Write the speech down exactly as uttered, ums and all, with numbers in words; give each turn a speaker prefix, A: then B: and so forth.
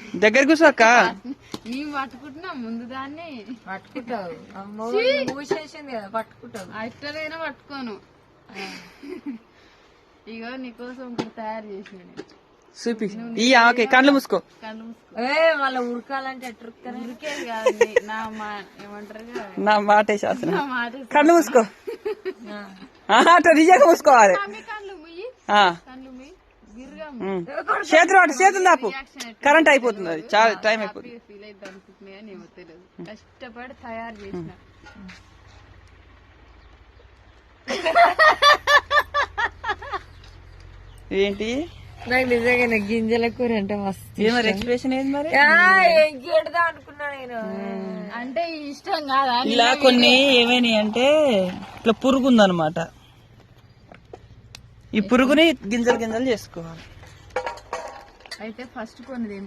A: దగ్గర కూర్చోక్క.
B: మేము పట్టుకుంటున్నాం ముందు దాన్ని.
C: పట్టుకుంటావు మూసేసింది కదా, పట్టుకుంటావు.
B: అట్లనైనా పట్టుకోను. ఇగో నీకోసం ఒకటి తయారు చేసిన.
A: చూపి ఈ ఆమెకి కళ్ళు మూసుకో.
B: కళ్ళు మూసుకో.
C: ఏ మళ్ళీ ఉడకాలంటే ఎట్లా ఉడుకుతారు?
B: ఉరికేది కాదు, నా మా ఏమంటారు
A: నా మాటే శాసనం.
B: నా మాట.
A: కళ్ళు మూసుకో. అట్లా నిజంగా మూసుకోవాలి.
B: కళ్ళు ముయ్యి, కళ్ళు ముయ్యి, గిర్గా
A: చేతులు అటు చేతులు దాపు, కరెంట్ అయిపోతుంది. అది చాలా టైం అయిపోతుంది.
B: ఫీల్ అయితే అనుకుంటున్నాయి అని ఏమో తెలియదు. కష్టపడి తయారు చేసిన.
A: ఏంటి
C: నాకు నిజంగా గింజల కూర అంటే మస్తు.
A: మరి ఎక్స్ప్రెషన్ ఏంది మరి?
C: గెడదా అనుకున్నా నేను.
B: అంటే ఇష్టం కాదా?
A: ఇలా కొన్ని ఏమైనాయి అంటే ఇట్లా పురుగు ఉందన్నమాట. ఈ పురుగుని గింజలు గింజలు చేసుకోవాలి.
B: అయితే ఫస్ట్ కొన్ని